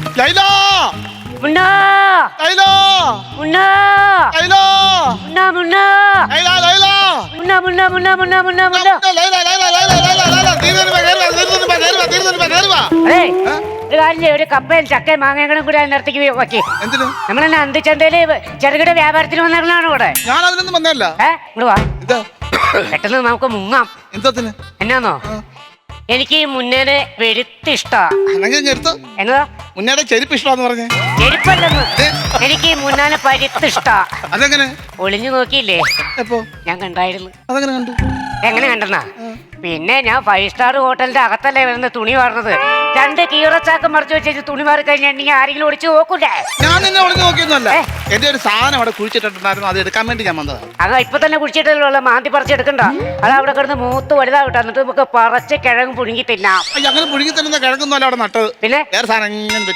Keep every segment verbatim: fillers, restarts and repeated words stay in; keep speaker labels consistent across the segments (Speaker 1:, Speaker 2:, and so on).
Speaker 1: ലൈല
Speaker 2: മുന്നാ
Speaker 1: ലൈല
Speaker 2: മുന്നാ
Speaker 1: ലൈല
Speaker 2: മുന്നാ മുന്നാ
Speaker 1: ലൈല ലൈല
Speaker 2: മുന്നാ മുന്നാ മുന്നാ മുന്നാ മുന്നാ മുന്നാ
Speaker 1: ലൈല ലൈല ലൈല ലൈല ലൈല തീരുന്നു കേറുവാ തീരുന്നു കേറുവാ തീരുന്നു കേറുവാ
Speaker 2: അതെ ഒരു കാര്യം ചെയ്യ്, ഒരു കപ്പയും ചക്കയും മാങ്ങകളും കൂടി അതിനടുത്തേക്ക് വെക്കി.
Speaker 1: എന്തിനു?
Speaker 2: നമ്മളെന്നെ അന്തിച്ചന്തയില് ചെറുകിട വ്യാപാരത്തിന് വന്നേക്കണാണ് ഇവിടെ.
Speaker 1: ഞാൻ അതിനൊന്നും വന്നല്ല.
Speaker 2: ഏ ഇങ്ങോട്ട് വാ. പെട്ടെന്ന് നമുക്ക് മുങ്ങാം.
Speaker 1: എന്തത്തിന്?
Speaker 2: എന്നാന്നോ എനിക്ക് ഈ മുന്നേനെ വെളുത്തിഷ്ടാ. എന്നതാ
Speaker 1: മുന്നേടെ ചെരുപ്പ് ഇഷ്ടമാന്ന് പറഞ്ഞേ?
Speaker 2: ചെരുപ്പല്ലെന്ന്, എനിക്ക് ഈ മുന്നാനെ പരുത്തിഷ്ടാ.
Speaker 1: അതെങ്ങനെ?
Speaker 2: ഒളിഞ്ഞു നോക്കിയില്ലേ?
Speaker 1: എപ്പോ?
Speaker 2: ഞാൻ കണ്ടായിരുന്നു.
Speaker 1: അതെങ്ങനെ കണ്ടു?
Speaker 2: എങ്ങനെ കണ്ടെന്നാ? പിന്നെ ഞാൻ ഫൈവ് സ്റ്റാർ ഹോട്ടലിന്റെ അകത്തല്ലേ വരുന്ന തുണി വാർന്നത്. രണ്ട് കീറച്ചാക്ക് മറിച്ച് വെച്ച് തുണി മാറി കഴിഞ്ഞിട്ടുണ്ടെങ്കിൽ ആരെങ്കിലും ഒളിച്ചു നോക്കൂലേ?
Speaker 1: ഞാൻ നിന്നെ ഒളിഞ്ഞു നോക്കിയൊന്നുമല്ല. എന്റെ ഒരു സാധനം അവിടെ കുഴിച്ചിട്ടുണ്ടായിരുന്നു, അത് എടുക്കാൻ വേണ്ടി ഞാൻ വന്നതാ.
Speaker 2: അത് ഇപ്പൊ തന്നെ കുഴിച്ചിട്ടുള്ള മാന്തി പറിച്ചെടുക്കണ്ട. അത് അവിടെ കിടന്ന് മൂത്ത് വലുതാവട്ടെ, എന്നിട്ട് നമുക്ക് പറിച്ച് കിഴങ്ങ് പുഴുങ്ങി തിന്നാം.
Speaker 1: അങ്ങനെ പുഴുങ്ങി തരുന്ന കിഴങ്ങൊന്നും അവിടെ നട്ടത്. പിന്നെ വേറെ സാധനം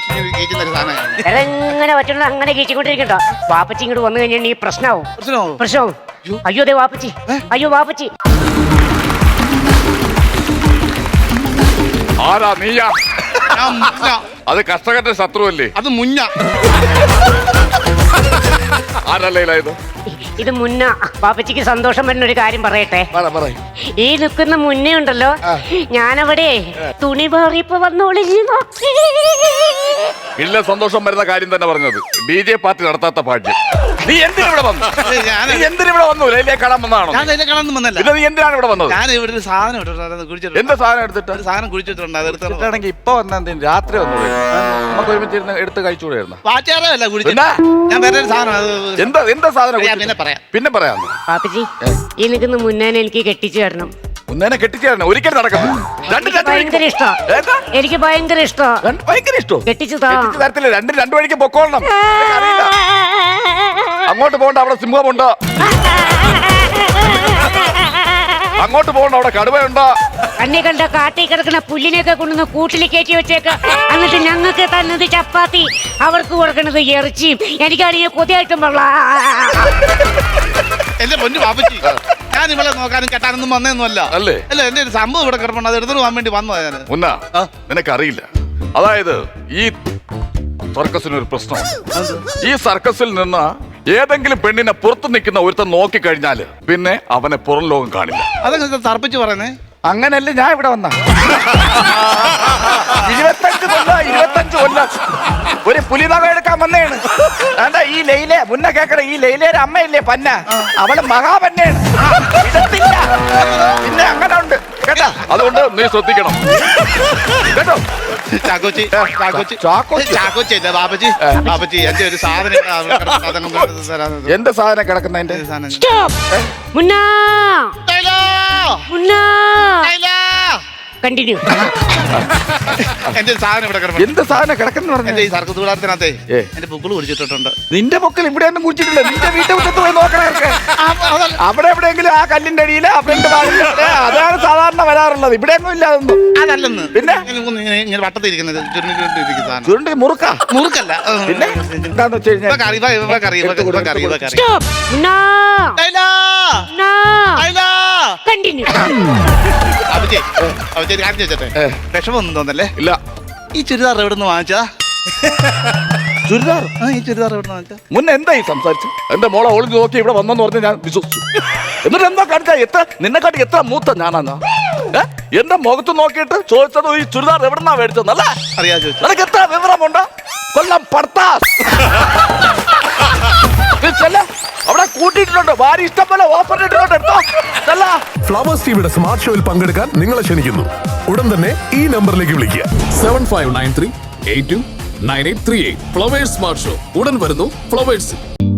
Speaker 2: എങ്ങനെ പറ്റുന്ന അങ്ങനെ കീച്ചിക്കൊണ്ടിരിക്കണ്ട. വാപ്പച്ചി ഇങ്ങോട്ട് വന്നു കഴിഞ്ഞാൽ ഈ പ്രശ്നമാവും. പ്രശ്നമാവും. അയ്യോ അതെ വാപ്പച്ചി, അയ്യോ വാപ്പച്ചി.
Speaker 3: ആരാ നീയാ? അത് കർഷകന്റെ ശത്രുവല്ലേ?
Speaker 1: അത് മുന്ന.
Speaker 3: ആരല്ലേ ഇത്?
Speaker 2: ഇത് മുന്ന. പാപ്പച്ചിക്ക് സന്തോഷം വരുന്ന ഒരു കാര്യം പറയട്ടെ. ഈ നിൽക്കുന്ന മുന്നേ ഉണ്ടല്ലോ, ഞാനവിടെ തുണി മാറിയപ്പോ വന്നോളിഞ്ഞു നോക്കി.
Speaker 3: ഇല്ല, സന്തോഷം വരുന്ന കാര്യം തന്നെ പറഞ്ഞത്. ബി ജെ പാർട്ടി നടത്താത്ത ഭാഗ്യം. നീ എന്തിനിവിടെ വന്നു? നീ എന്തിനിവിടെ വന്നു? ലൈലയെ കാണാൻ വന്നതാണോ?
Speaker 1: ഞാൻ ലൈലയെ കാണാൻ വന്നല്ല.
Speaker 3: പിന്നെ നീ എന്തിനാണ് ഇവിടെ വന്നത്?
Speaker 1: ഞാൻ ഇവിടെ ഒരു സാധനം ഇട്ടിട്ടുണ്ട്.
Speaker 3: എന്താ സാധനം എടുത്തിട്ട്?
Speaker 1: സാധനം കുഴിച്ചിട്ടുണ്ട്. അത് എടുത്തിട്ടാണെങ്കിൽ
Speaker 3: ഇപ്പൊ വന്ന രാത്രി വന്നൂടെ? നമുക്ക് ഒരുമിച്ച് ഇരുന്ന് എടുത്ത് കഴിച്ചുകൂടായിരുന്നു.
Speaker 1: പാച്ചാറല്ല കുഴിച്ചിട്ട്. ഞാൻ വേറെ ഒരു സാധനം. എന്താ എന്താ സാധനം? പിന്നെ പറയാം പിന്നെ പറയാം.
Speaker 2: പാപ്പച്ചി, ഈ നിൽക്കുന്ന മുന്നേനെ എനിക്ക് കെട്ടിച്ചു തരണം.
Speaker 3: മുന്നേനെ കെട്ടിച്ചു തരണം? ഒരിക്കലും നടക്കുന്നു.
Speaker 2: ഭയങ്കര ഇഷ്ടം. എനിക്ക് ഭയങ്കര ഇഷ്ടം.
Speaker 3: ഭയങ്കര ഇഷ്ടം.
Speaker 2: കെട്ടിച്ചു
Speaker 3: തരത്തില്ല. രണ്ട് രണ്ടു വഴിക്ക് പൊക്കോളണം. അങ്ങോട്ട് പോകണ്ട, അവിടെ സിംഹമുണ്ടോ? അങ്ങോട്ട് പോകണ്ട, അവിടെ കടുവയുണ്ടോ?
Speaker 2: അന്നെ കണ്ട കാട്ടി കിടക്കുന്ന പുല്ലിനെയൊക്കെ കൊണ്ടുവന്ന് കൂട്ടിൽ കയറ്റി വെച്ചേക്ക. എന്നിട്ട് ഞങ്ങൾക്ക് തന്നത് ചപ്പാത്തി, അവർക്ക് കൊടുക്കുന്നത് ഇറച്ചിയും. എനിക്കാണെങ്കിൽ കൊതിയായിട്ടും വെള്ള.
Speaker 1: എന്റെ പൊന്നു പാപ്പച്ചി, ഞാൻ ഇവിടെ നോക്കാനും കെട്ടാനൊന്നും വന്നതൊന്നുമല്ല. അല്ലേ? അല്ല, എന്റെ ഒരു സംഭവം ഇവിടെ കിടപ്പുണ്ട്, അത് എടുത്തു പോകാൻ വേണ്ടി വന്നതാ ഞാൻ.
Speaker 3: മുന്ന, നിനക്കറിയില്ല. അതായത് ഈ സർക്കസിനൊരു പ്രശ്നമാണ്. ഈ സർക്കസിൽ നിന്ന് ഏതെങ്കിലും പെണ്ണിനെ പുറത്തു നിൽക്കുന്ന ഒരുത്തൻ നോക്കിക്കഴിഞ്ഞാല് പിന്നെ അവനെ പുറം ലോകം കാണില്ല.
Speaker 1: അതൊക്കെ തർപ്പിച്ച് പറയുന്നേ.
Speaker 3: അങ്ങനല്ലേ ഞാൻ ഇവിടെ വന്ന ഇരുപത്തഞ്ച് കൊല്ല ഇരുപത്തഞ്ച് കൊല്ലം ഒരു പുലിനക എടുക്കാൻ വന്നേണ്. എന്താ ഈ ലൈല മുന്നേ കേക്കട, ഈ ലൈലയുടെ അമ്മയില്ലേ പന്ന, അവള് മഹാപന്നയാണ്. ഇടത്തില്ല. പിന്നെ അങ്ങനെ ഉണ്ട് കേട്ടാ. അതുകൊണ്ട് നീ ശ്രദ്ധിക്കണം കേട്ടോ.
Speaker 1: ചാക്കോച്ചി ചാക്കോച്ചി അല്ല ബാബജി. ബാബജി എന്റെ ഒരു സാധനം.
Speaker 3: എന്റെ സാധനം കിടക്കുന്ന എന്റെ
Speaker 2: മുന്നാ മുന്നാ കണ്ടിന്യൂ.
Speaker 1: എന്റെ സാധനം ഇവിടെ കിടക്കുന്നു.
Speaker 3: എന്ത് സാധനം കിടക്കുന്ന പറഞ്ഞു?
Speaker 1: എന്റെ ഈ സർക്കസ് കൂടാരത്തിനകത്തെ എന്റെ പൊക്കിൾ കുടിച്ചിട്ടുണ്ട്.
Speaker 3: നിന്റെ പൊക്കിൽ ഇവിടെ ഒന്നും കുടിച്ചിട്ടില്ല. നിന്റെ വീട്ടിൽ മുറ്റത്ത് പോയി നോക്കണേ. അവിടെ എവിടെയെങ്കിലും ആ കല്ലിന്റെ അടിയില് അവരുടെ അതാണ് സാധാരണ വരാറുള്ളത്. ഇവിടെ ഒന്നും ഇല്ല അതൊന്നും.
Speaker 1: അതല്ലെന്ന്. പിന്നെ ഇങ്ങനെ വട്ടത്തിരിക്കുന്നത് ചുരുണ്ടി
Speaker 3: മുറുക്ക മുറുക്കല്ല. പിന്നെ എന്താന്ന് വെച്ച് കഴിഞ്ഞാൽ
Speaker 1: വിഷമൊന്നും തോന്നല്ലേ?
Speaker 3: ഇല്ല.
Speaker 1: ഈ ചുരിദാർ എവിടെ നിന്ന് വാങ്ങിച്ചാ?
Speaker 3: ചുരിദാർ?
Speaker 1: ഈ ചുരിദാർ എവിടെ നിന്ന് വാങ്ങിച്ചാ?
Speaker 3: മുന്നേ എന്തായി സംസാരിച്ചു? എന്റെ മോളെ ഒളിഞ്ഞു നോക്കി ഇവിടെ വന്നെന്ന് പറഞ്ഞ് ഞാൻ വിശ്വസിച്ചു. എന്നിട്ട് എന്താ കാണിച്ചാ? എത്ര നിന്നെക്കാട്ടി എത്ര മൂത്ത ഞാനാ? എന്റെ മുഖത്ത് നോക്കിയിട്ട് ചോദിച്ചത് ഈ ചുരിദാർ എവിടെന്നാ മേടിച്ചതല്ല
Speaker 1: അറിയാ ചോദിച്ചു.
Speaker 3: നിനക്ക് എത്ര വിവരമുണ്ടോ? കൊല്ലം പർത്താസ് അവിടെ കൂട്ടിയിട്ടുണ്ട്. ഭാര്യ ഇഷ്ടം പോലെ ഓഫർ ഇട്ടിട്ടുണ്ട്. എടുത്തോ.
Speaker 4: ഫ്ലവേഴ്സ് ടിവിയുടെ സ്മാർട്ട് ഷോയിൽ പങ്കെടുക്കാൻ നിങ്ങളെ ക്ഷണിക്കുന്നു. ഉടൻ തന്നെ ഈ നമ്പറിലേക്ക് വിളിക്കുക.
Speaker 5: Seven five nine three eight two nine eight three eight. Flowers smart show ഉടൻ വരുന്നു ഫ്ലവേഴ്സ്.